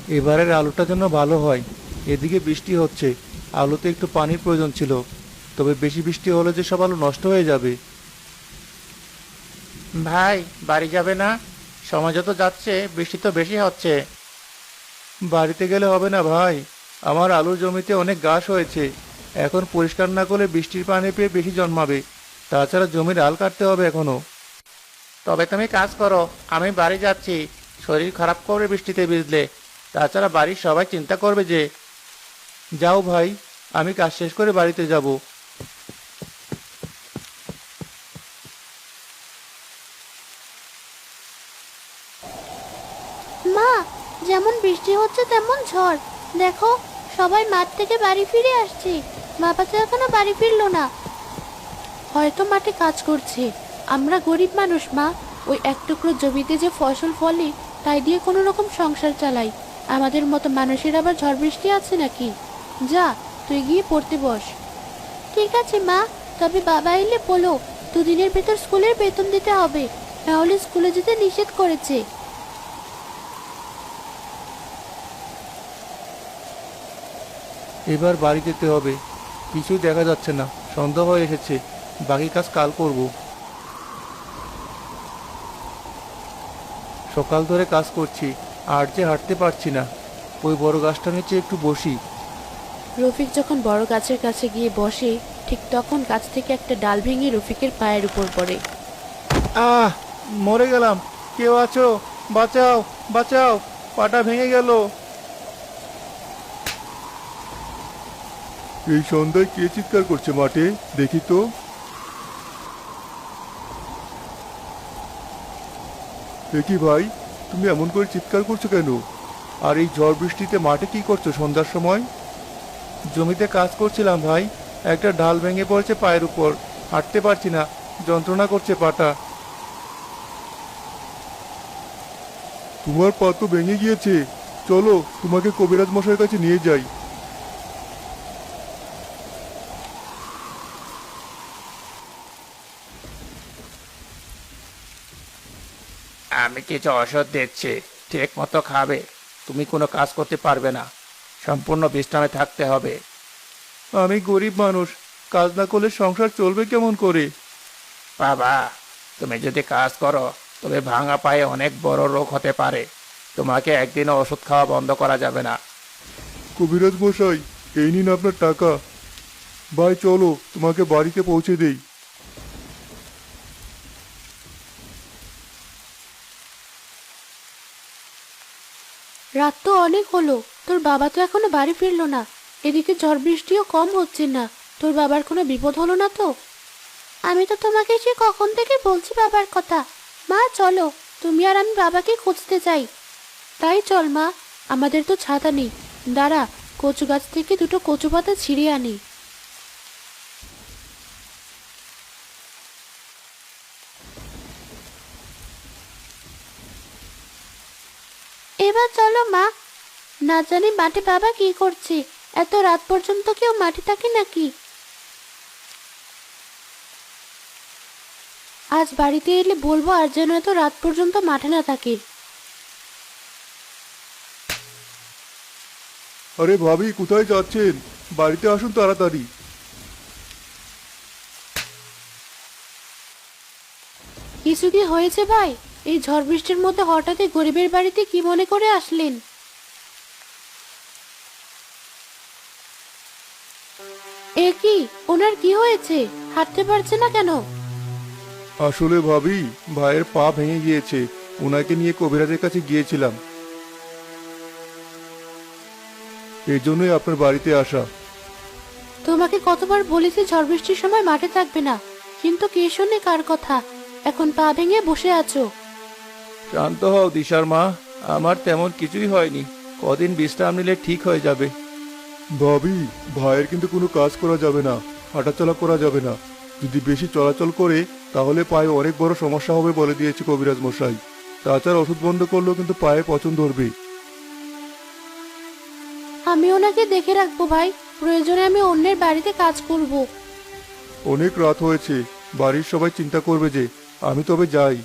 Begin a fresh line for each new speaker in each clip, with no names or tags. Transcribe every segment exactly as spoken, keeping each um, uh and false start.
এবারের আলুটা যেন ভালো হয়। এদিকে বৃষ্টি হচ্ছে, আলুতে একটু পানির প্রয়োজন ছিল, তবে বেশি বৃষ্টি হলে যে সব আলু নষ্ট হয়ে যাবে। ভাই, বাড়ি যাবে না? সময় যত যাচ্ছে বৃষ্টি তো বেশি হচ্ছে। বাড়িতে গেলে হবে না ভাই, আমার আলুর জমিতে অনেক ঘাস হয়েছে। এখন পরিষ্কার না করলে বৃষ্টির পানি পেয়ে বেশি জন্মাবে। তাছাড়া জমির আল কাটতে হবে এখনো। তবে তুমি কাজ করো, আমি বাড়ি যাচ্ছি। শরীর খারাপ করবে বৃষ্টিতে ভিজলে। তাছাড়া বাড়ির সবাই চিন্তা করবে যে। যাও ভাই, আমি কাজ শেষ করে বাড়িতে যাব।
মা, যেমন বৃষ্টি হচ্ছে তেমন ঝড়। দেখো, সবাই মাঠ থেকে বাড়ি ফিরে আসছে। বাবা তো এখনো বাড়ি ফিরলো না। হয়তো মাঠে কাজ করছে। আমরা গরিব মানুষ মা, ওই এক টুকরো জমিতে যে ফসল ফলে তাই দিয়ে কোনো রকম সংসার চালাই। আমাদের মতো মানুষের আবার ঝড় বৃষ্টি আছে নাকি? যা, তুই গিয়ে পড়তে বস। ঠিক আছে মা, তবে বাবা এলে বলো দুদিনের ভেতর স্কুলের বেতন দিতে হবে, নাহলে স্কুলে যেতে নিষেধ করেছে।
এবার বাড়ি যেতে হবে। কিছুই দেখা যাচ্ছে না, সন্ধ্যা হয়ে এসেছে। বাকি কাজ কাল করব। সকাল ধরে কাজ করছি, আর যে হাঁটতে পারছি না। ওই বড় গাছটা নিচে একটু বসি।
রফিক যখন বড় গাছের কাছে গিয়ে বসে, ঠিক তখন গাছ থেকে একটা ডাল ভেঙে রফিকের পায়ের উপর পড়ে।
আহ, মরে গেলাম। কেউ আছো? বাঁচাও, বাঁচাও, পাটা ভেঙে গেল। এই সন্ধ্যায় কে চিৎকার করছে মাঠে? দেখি তো। দেখি ভাই, তুমি এমন করে চিৎকার করছো কেন? আর এই ঝড় বৃষ্টিতে মাঠে কি করছো সন্ধ্যার সময়? জমিতে কাজ করছিলাম ভাই। একটা ডাল ভেঙে পড়েছে পায়ের উপর। হাঁটতে পারছি না, যন্ত্রণা করছে পাটা। তোমার পা তো ভেঙে গিয়েছে। চলো, তোমাকে কবিরাজ মশাইয়ের কাছে নিয়ে যাই। আমি কিছু ওষুধ দিচ্ছি, ঠিক মতো খাবে। তুমি কোনো কাজ করতে পারবে না, সম্পূর্ণ বিশ্রামে থাকতে হবে। আমি গরিব মানুষ, কাজ না করলে সংসার চলবে কেমন করে? বাবা, তুমি যদি কাজ করো তবে ভাঙা পায়ে অনেক বড় রোগ হতে পারে। তোমাকে একদিনও ওষুধ খাওয়া বন্ধ করা যাবে না। কবিরাজ মশাই, এই নিন আপনার টাকা। ভাই চলো, তোমাকে বাড়িতে পৌঁছে দেই।
রাত তো অনেক হলো, তোর বাবা তো এখনো বাড়ি ফিরলো না। এদিকে ঝড় বৃষ্টিও কম হচ্ছে না। তোর বাবার কোনো বিপদ হলো না তো? আমি তো তোমাকে সে কখন থেকে বলছি বাবার কথা। মা চলো, তুমি আর আমি বাবাকে খুঁজতে চাই। তাই চল মা, আমাদের তো ছাতা নেই। দাঁড়া, কচু গাছ থেকে দুটো কচু পাতা ছিঁড়ে আনি। এবার চলো মা। না জানি মাঠে বাবা কি করছে। এত রাত পর্যন্ত কেউ মাঠে থাকে নাকি? আজ বাড়িতে এলে বলবো আর যেন এত রাত পর্যন্ত মাঠে না থাকে।
আরে ভাবি, কোথায় যাচ্ছেন? বাড়িতে আসুন তাড়াতাড়ি।
কিছু কি হয়েছে ভাই? এই ঝড় বৃষ্টির মধ্যে হঠাৎই গরিবের বাড়িতে কি মনে করে আসলেন? এ কি, ওনার কি হয়েছে? হাঁটতে পারছে না কেন?
আসলে ভাবি, ভাইয়ের পা ভেঙে গিয়েছে। ওনাকে নিয়ে কবিরাজের কাছে গিয়েছিলাম, এই জন্যই আপনার বাড়িতে আসা।
তোমাকে কতবার বলেছি ঝড় বৃষ্টির সময় মাঠে থাকবে না, কিন্তু কে শোনে কার কথা? এখন পা ভেঙে বসে আছো।
শান্ত হও দিশার মা, আমার তেমন কিছুই হয়নি। কদিন বিশ্রাম নিলে ঠিক হয়ে যাবে। ভাবি, ভাইয়ের কিন্তু কোনো কাজ করা যাবে না, হাঁটাচলা করা যাবে না। যদি বেশি চলাচল করে তাহলে পায়ে অনেক বড় সমস্যা হবে বলে দিয়েছে কবিরাজ মশাই। তাছাড়া ওষুধ বন্ধ করলেও কিন্তু পায়ে পচন ধরবে।
আমি ওনাকে দেখে রাখবো ভাই, প্রয়োজনে আমি অন্যের বাড়িতে কাজ করব।
অনেক রাত হয়েছে, বাড়ির সবাই চিন্তা করবে যে। আমি তবে যাই।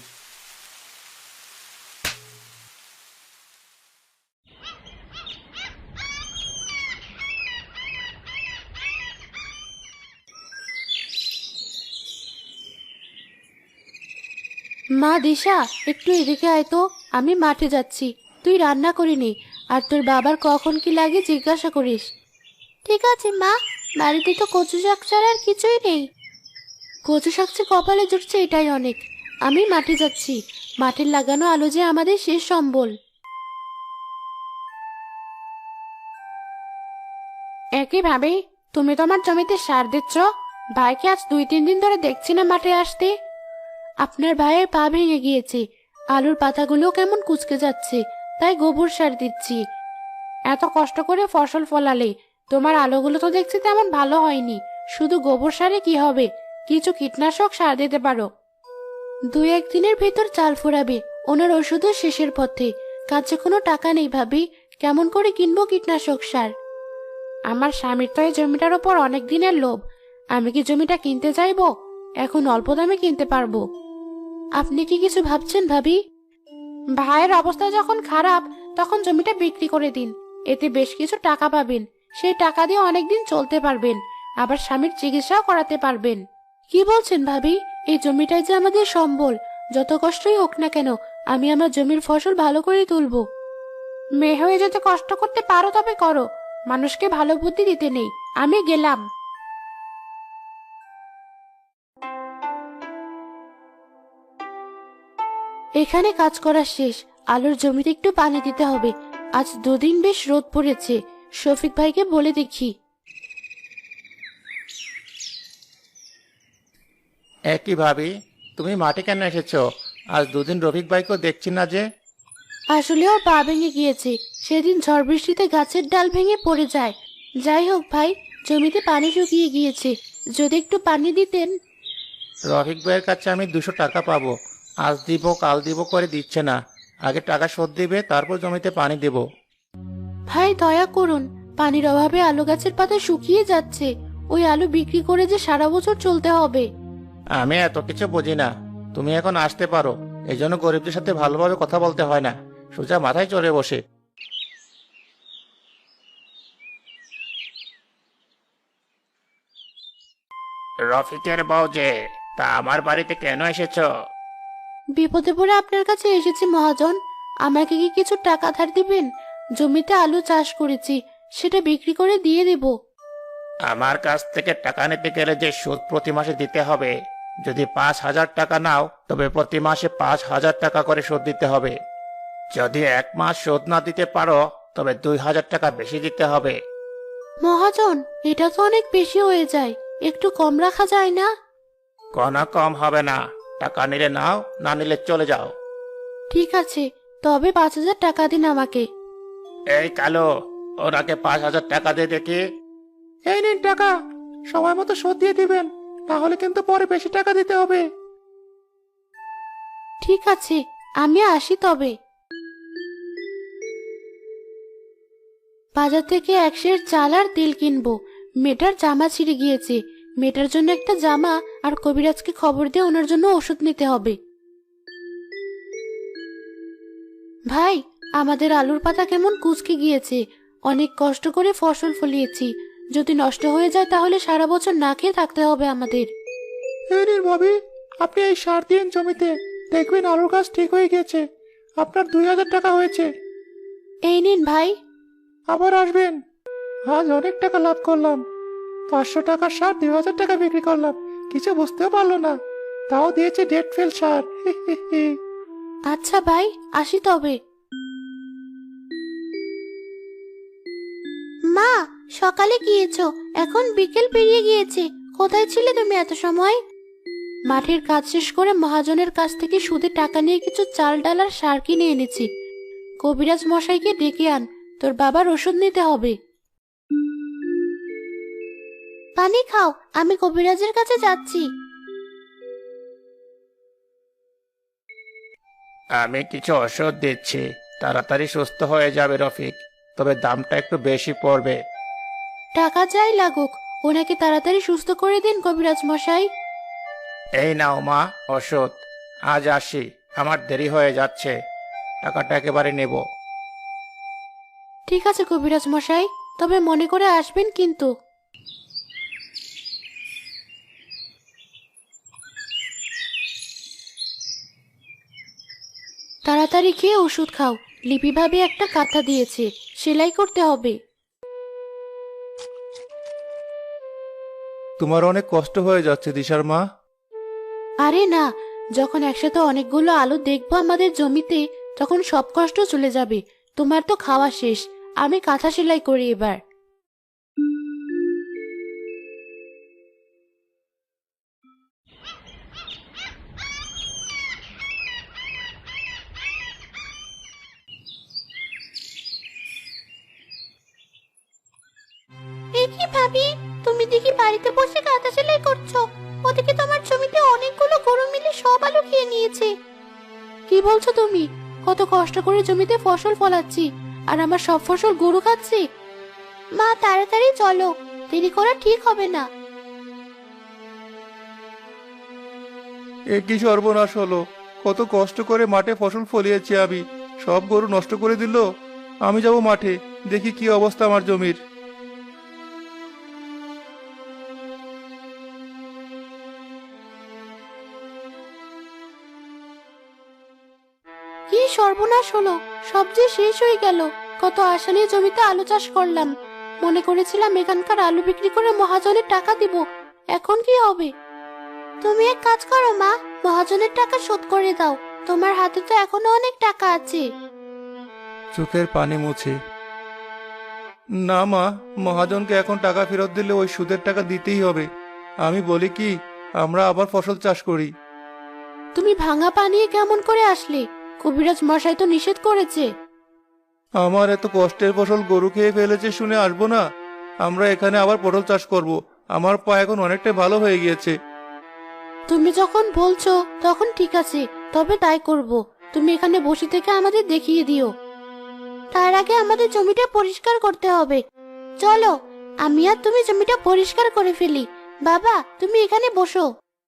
মা দিশা, একটু এদিকে আয় তো, আমি মাঠে যাচ্ছি। তুই রান্না করিনি, আর তোর বাবার কখন কি লাগে জিজ্ঞাসা করিস। ঠিক আছে মা, বাড়িতে তো কচু শাক ছাড়া আর কিছুই নেই। কচু শাক যে কপালে জুটছে এটাই অনেক। আমি মাঠে যাচ্ছি, মাঠের লাগানো আলো যে আমাদের শেষ সম্বল। একই ভাবে তুমি তোমার জমিতে সার দিচ্ছ? ভাইকে আজ দুই তিন দিন ধরে দেখছি না মাঠে আসতে। আপনার ভাইয়ের পা ভেঙে গিয়েছে, আলুর পাতাগুলো কেমন কুঁচকে যাচ্ছে, তাই গোবর সার দিচ্ছি। এত কষ্ট করে ফসল ফলালে তোমার আলুগুলো তো দেখছি তেমন ভালো হয়নি। শুধু গোবর সারে কি হবে? কিছু কীটনাশক সার দিতে পারো। দুই একদিনের ভেতর চাল ফুরাবে, ওনার ওষুধও শেষের পথে। কাছে কোনো টাকা নেই ভাবি, কেমন করে কিনবো কীটনাশক সার? আমার স্বামীর তো এই জমিটার ওপর অনেক দিনের লোভ। আমি কি জমিটা কিনতে চাইবো? এখন অল্প দামে কিনতে পারবো। আপনি কি কিছু ভাবছেন ভাবি? ভাইয়ের অবস্থা যখন খারাপ, তখন জমিটা বিক্রি করে দিন। এতে বেশ কিছু টাকা পাবেন। সেই টাকা দিয়ে অনেকদিন চলতে পারবেন, আবার স্বামীর চিকিৎসাও করাতে পারবেন। কি বলছেন ভাবি? এই জমিটাই যে আমাদের সম্বল। যত কষ্টই হোক না কেন, আমি আমার জমির ফসল ভালো করে তুলবো। মেয়ে হয়ে যদি কষ্ট করতে পারো তবে করো, মানুষকে ভালো বুদ্ধি দিতে নেই। আমি গেলাম। এখানে কাজ করা শেষ, আলুর জমিতে একটু পানি দিতে হবে। আজ দুদিন বেশ রোদ পড়েছে, শফিক ভাইকে বলে দেখি।
একই ভাবি, তুমি মাঠে কেন এসেছো? আজ দুদিন রফিক ভাইকেও দেখছি না যে।
আসলে ওর পা ভেঙে গিয়েছে, সেদিন ঝড় বৃষ্টিতে গাছের ডাল ভেঙে পড়ে যায়। যাই হোক ভাই, জমিতে পানি শুকিয়ে গিয়েছে, যদি একটু পানি দিতেন।
রফিক ভাইয়ের কাছে আমি দুশো টাকা পাবো, আজ দিব কাল দিব করে দিচ্ছে না। আগে টাকা শোধ দিবে, তারপর জমিতে পানি দেব।
ভাই দয়া করুন, পানির অভাবে আলু গাছের পাতা শুকিয়ে যাচ্ছে। ওই আলু বিক্রি করে যে সারা বছর চলতে হবে।
আমি এত কিছু বুঝি না, তুমি এখন আসতে পারো। এই জন্য গরিবদের সাথে ভালোভাবে কথা বলতে হয় না, সোজা মাথায় চড়ে বসে। রফিকের বউ যে, তা আমার বাড়িতে কেন এসেছো?
বিপদে পড়ে আপনার কাছে এসেছি মহাজন। আমাকে কি কিছু টাকা ধার দিবেন? জমিতে আলু চাষ করেছি, সেটা বিক্রি করে দিয়ে দেব।
আমার কাছ থেকে টাকা নিতে গেলে যে সুদ প্রতি মাসে দিতে হবে, যদি পাঁচ হাজার টাকা নাও তবে প্রতি মাসে পাঁচ হাজার টাকা করে সুদ দিতে হবে। যদি এক মাস শোধ না দিতে পারো তবে দুই হাজার টাকা বেশি দিতে হবে।
মহাজন, এটা তো অনেক বেশি হয়ে যায়, একটু কম রাখা যায় না?
কোনো কম হবে না, টাকা নিলে নাও, না নিলে চলে যাও।
ঠিক আছে, তবে পাঁচ হাজার টাকা দিন আমাকে।
এই কালো, ওনাকে পাঁচ হাজার টাকা দিয়ে দেখি। এই নিন টাকা, সময় মতো শোধ দিয়ে দিবেন, তাহলে কিন্তু পরে বেশি টাকা দিতে হবে।
ঠিক আছে, আমি আসি তবে। বাজার থেকে এক সের চাল আর তেল কিনবো। মেয়েটার জামা ছিঁড়ে গিয়েছে, মেয়েটার জন্য একটা জামা, আর কবিরাজকে খবর দিয়ে ওনার জন্য ওষুধ নিতে হবে। ভাই, আমাদের আলুর পাতা কেমন কুঁচকে গিয়েছে। অনেক কষ্ট করে ফসল ফলিয়েছি, যদি নষ্ট হয়ে যায় তাহলে সারা বছর না খেয়ে থাকতে হবে আমাদের।
এই নিন ভাবি, আপনি এই সার দিন জমিতে, দেখবেন আলুর গাছ ঠিক হয়ে গেছে। আপনার দুই হাজার টাকা হয়েছে।
এই নিন ভাই।
আবার আসবেন। আজ অনেক টাকা লাভ করলাম। পাঁচশো টাকার সার দুই হাজার টাকা বিক্রি করলাম, কিছু বুঝতেও পারলো না। তাও দিয়েছে ডেট ফেল সার।
আচ্ছা ভাই, আসি তবে। মা, সকালে গিয়েছো, এখন বিকেল পেরিয়ে গিয়েছে। কোথায় ছিলে তুমি এত সময়? মাঠের কাজ শেষ করে মহাজনের কাছ থেকে সুদে টাকা নিয়ে কিছু চাল ডাল আর সার কিনে এনেছি। কবিরাজ মশাইকে ডেকে আন, তোর বাবার ওষুধ নিতে হবে। পানি খাও, আমি কবিরাজের কাছে যাচ্ছি।
আমি কিছু ওষুধ দিচ্ছি, তাড়াতাড়ি সুস্থ হয়ে যাবে রফিক, তবে দামটা একটু বেশি পড়বে।
টাকা যাই লাগুক, ওনাকে তাড়াতাড়ি সুস্থ করে দিন কবিরাজ মশাই।
এই নাও মা ওষুধ। আজ আসি, আমার দেরি হয়ে যাচ্ছে, টাকাটা একেবারে নেব।
ঠিক আছে কবিরাজ মশাই, তবে মনে করে আসবেন কিন্তু। তাড়াতাড়ি খেয়ে ওষুধ খাও। লিপি ভাবে একটা কাঁথা দিয়েছে, সেলাই করতে হবে।
তোমার অনেক কষ্ট হয়ে যাচ্ছে দিশার মা।
আরে না, যখন একসাথে অনেকগুলো আলু দেখবো আমাদের জমিতে, তখন সব কষ্ট চলে যাবে। তোমার তো খাওয়া শেষ, আমি কাঁথা সেলাই করি এবার। এ কি ভাবি, তুমি দেখি বাড়িতে বসে কাঁথা সেলাই করছো? ওদিকে তোমার জমিতে অনেকগুলো গরু মিলে সব আলু খেয়ে নিয়েছে। কি বলছো তুমি? কত কষ্ট করে জমিতে ফসল ফলাচ্ছি, আর আমার সব ফসল গরু খাচ্ছে। মা তাড়াতাড়ি চলো, দেরি করা ঠিক হবে না।
এ কি সর্বনাশ হলো! কত কষ্ট করে মাঠে ফসল ফলিয়েছি আমি, সব গরু নষ্ট করে দিল। আমি যাব মাঠে, দেখি কি অবস্থা আমার জমির।
কি সর্বনাশ হলো! সব যে শেষ হয়ে গেল। কত আশা নিয়ে জমিতে আলু চাষ করলাম, মনে করেছিলাম এখানকার আলু বিক্রি করে মহাজনের টাকা দিব। এখন কি হবে? তুমি এক কাজ করো মা, মহাজনের টাকা শোধ করে দাও। তোমার হাতে তো এখনো অনেক টাকা আছে।
চোখের পানি মুছে, না মা, মহাজনকে এখন টাকা ফেরত দিলে ওই সুদের টাকা দিতেই হবে। আমি বলি কি, আমরা আবার ফসল চাষ করি।
তুমি ভাঙা পানিয়ে কেমন করে আসলে? কবিরাজ মশাই তো নিষেধ করেছে।
আমার এত কষ্টের ফসল গরু খেয়ে ফেলেছে শুনে আসবো না? আমরা এখানে আবার পটল চাষ করব। আমার পা এখন অনেকটাই ভালো হয়ে গিয়েছে।
তুমি যখন বলছো তখন ঠিক আছে, তবে তাই করব। তুমি এখানে বসে থেকে আমাদের দেখিয়ে দিও। তার আগে আমাদের জমিটা পরিষ্কার করতে হবে। চলো, আমি আর তুমি জমিটা পরিষ্কার করে ফেলি। বাবা, তুমি এখানে বসো।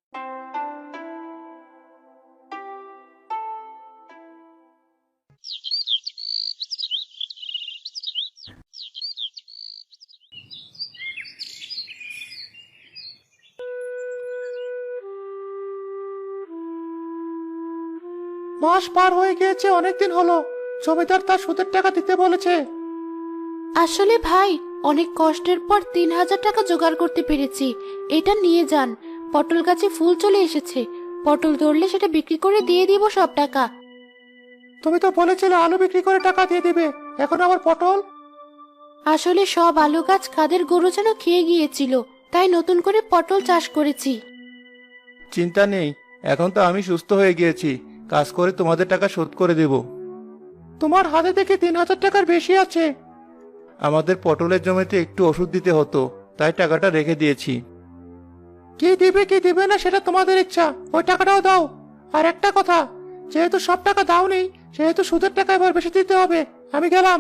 মাস পার হয়ে গিয়েছে, অনেকদিন হলো। জমিদার তার সুদের টাকা দিতে বলেছে।
আসলে ভাই, অনেক কষ্টের পর তিন হাজার টাকা জোগাড় করতে পেরেছি। এটা নিয়ে যান। পটল গাছে ফুল চলে এসেছে, পটল ধরলে সেটা বিক্রি করে দিয়ে দিব সব টাকা।
তুমি তো বলেছিলে আলু বিক্রি করে টাকা দিয়ে দিবে, এখন আবার পটল?
আসলে সব আলু গাছ কাদের গরু যেন খেয়ে গিয়েছিল, তাই নতুন করে পটল চাষ করেছি।
চিন্তা নেই, এখন তো আমি সুস্থ হয়ে গিয়েছি। কাজ করে তোমাদের টাকা শোধ করে দেব। তোমার হাতে দেখে তিন হাজার টাকার বেশি আছে। আমাদের পটলের জমিতে একটু ওষুধ দিতে হতো, তাই টাকাটা রেখে দিয়েছি। কি দিবে কি দিবে না সেটা তোমাদের ইচ্ছা, ওই টাকাটাও দাও। আর একটা কথা, যেহেতু সব টাকা দাও নেই, সেহেতু সুদের টাকা এবার বেশি দিতে হবে। আমি গেলাম।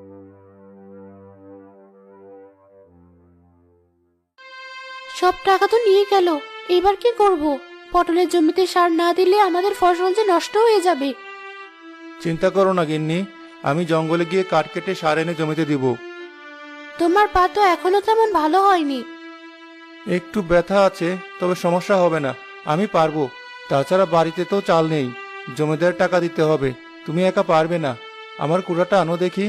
সব টাকা তো নিয়ে গেল, এবার কি করব? পটলের জমিতে সার না দিলে আমাদের ফসল যে নষ্ট হয়ে যাবে।
চিন্তা করো না গিন্নি, আমি জঙ্গলে গিয়ে কাঠ কেটে সার এনে জমিতে দিব।
তোমার পা তো এখনো তেমন ভালো হয়নি।
একটু ব্যথা আছে, তবে সমস্যা হবে না, আমি পারবো। তাছাড়া বাড়িতে তো চাল নেই, জমিদার টাকা দিতে হবে। তুমি একা পারবে না। আমার কুড়াটা আনো দেখি।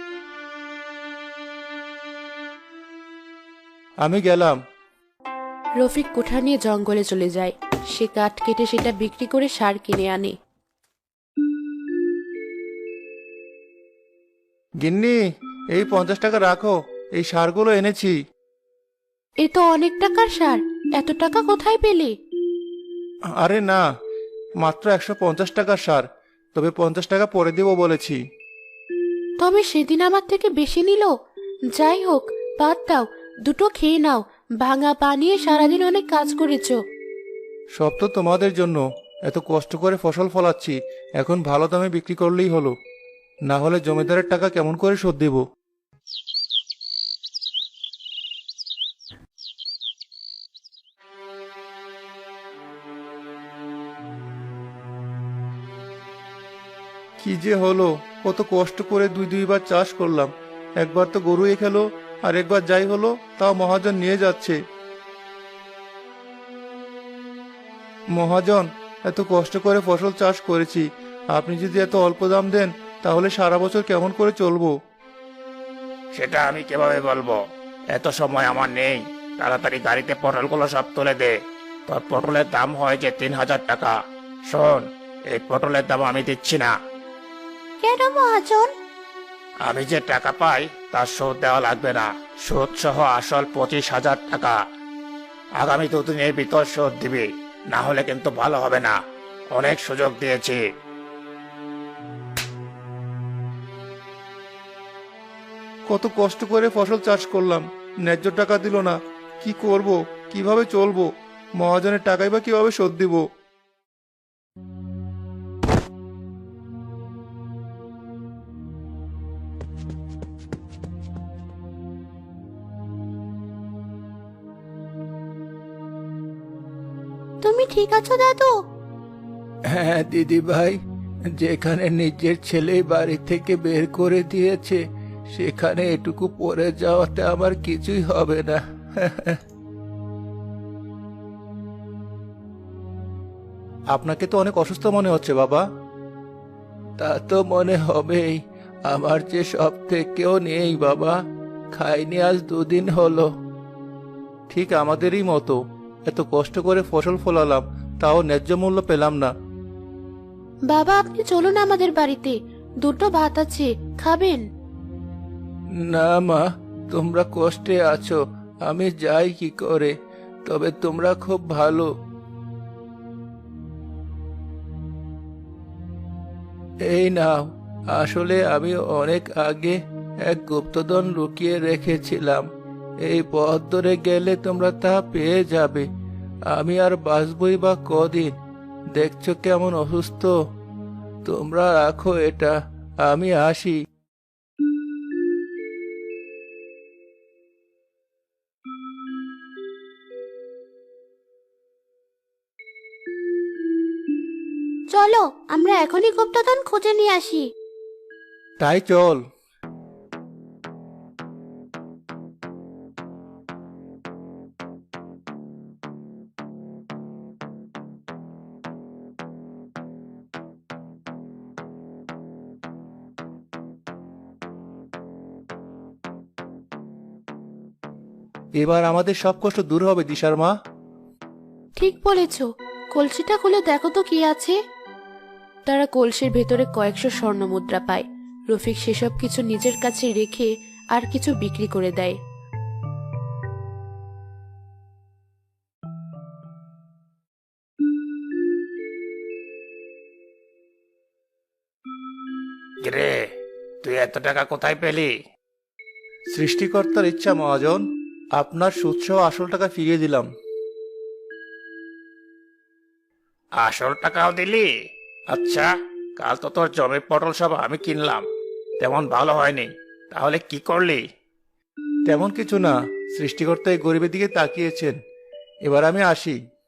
আমি গেলাম।
রফিক কোঠা নিয়ে জঙ্গলে চলে যায়। সে কাঠ কেটে সেটা বিক্রি করে সার কিনে আনে।
গিন্নি, এই পঞ্চাশ টাকা রাখো, এই সারগুলো এনেছি।
এ তো অনেক টাকার সার, এত টাকা কোথায় পেলে?
আরে না, মাত্র একশো পঞ্চাশ টাকার সার, তবে পঞ্চাশ টাকা পরে দেবো বলেছি।
তবে সেদিন আমার থেকে বেশি নিল। যাই হোক, বাদ দাও, দুটো খেয়ে নাও। ভাঙা পা নিয়ে সারাদিন অনেক কাজ করেছো।
সব তো তোমাদের জন্য, এত কষ্ট করে ফসল ফলাচ্ছি, এখন ভালো দামে বিক্রি করলেই হলো। না হলে জমিদারের টাকা কেমন করে শোধ দেব? কি যে হলো! কত কষ্ট করে দুই দুইবার চাষ করলাম, একবার তো গরু এ খেলো, আর একবার যাই হলো তাও মহাজন নিয়ে যাচ্ছে। মহাজন, এত কষ্ট করে ফসল চাষ করেছি, আপনি যদি এত অল্প দাম দেন তাহলে সারা বছর কেমন করে চলবো? সেটা আমি কিভাবে বলবো? এত সময় আমার নেই। তাড়াতাড়ি গাড়িতে পটলগুলো সব তুলে দে। তোর পটলের দাম হয় যে তিন হাজার টাকা। শোন, এই পটলের দাম আমি দিচ্ছি না।
কেন মহাজন?
আমি যে টাকা পাই তার শোধ দেওয়া লাগবে না। সুদ সহ আসল পঁচিশ হাজার টাকা। আগামী দুদিনের ভিতর শোধ দিবি, না হলে কিন্তু ভালো হবে না। অনেক সুযোগ দিয়েছি। কত কষ্ট করে ফসল চাষ করলাম, ন্যায্য টাকা দিল না। কি করব, কিভাবে চলবো? মহাজনের টাকাই বা কিভাবে শোধ দিব?
তুমি ঠিক আছো দাদু?
হ্যাঁ দিদি ভাই, যেখানে নিজের ছেলে বাড়ি থেকে বের করে দিয়েছে সেখানে এটুকু পড়ে যাওয়াতে আমার কিছুই হবে না। আপনাকে তো অনেক অসুস্থ মনে হচ্ছে বাবা। তা তো মনে হবেই। আমার যে সব থেকেও নেই বাবা, খাইনি আজ দুদিন হলো। ঠিক আমাদেরই মতো, এত কষ্ট করে ফসল ফলালাম, তাও ন্যায্য মূল্য পেলাম না।
বাবা, আপনি চলুন আমাদের বাড়িতে, দুটো ভাত আছে, খাবেন?
না মা, তোমরা কষ্টে আছো, আমি যাই কি করে? তবে তোমরা খুব ভালো। এই নাও, আসলে আমি অনেক আগে এক গুপ্তধন লুকিয়ে রেখেছিলাম। এই পথ ধরে গেলে তোমরা তা পেয়ে যাবে। আমি আর বাঁচবই বা কদিন? দেখছো কেমন অসুস্থ। তোমরা রাখো এটা, আমি আসি।
চলো, আমরা এখনই গুপ্তধন খুঁজে নিয়ে আসি।
তাই চল। এবার আমাদের সব কষ্ট দূর হবে দিশার মা।
ঠিক বলেছ। কলসিটা খুলে দেখো তো কি আছে। তারা কলসির ভেতরে কয়েকশো স্বর্ণ মুদ্রা পায়। রফিক সেসব কিছু নিজের কাছে রেখে আর কিছু বিক্রি করে দেয়।
রে, তুই এত টাকা কোথায় পেলি? সৃষ্টিকর্তার ইচ্ছা মহাজন, আপনার সুদসহ আসল টাকা ফিরিয়ে দিলাম। আসল টাকাও দিলি? আচ্ছা, কাল তো তোর জমির পটল সব আমি কিনলাম, তেমন ভালো হয়নি। তাহলে কি করলি? তেমন কিছু না, সৃষ্টিকর্তা এই গরিবের দিকে তাকিয়েছেন। এবার আমি আসি।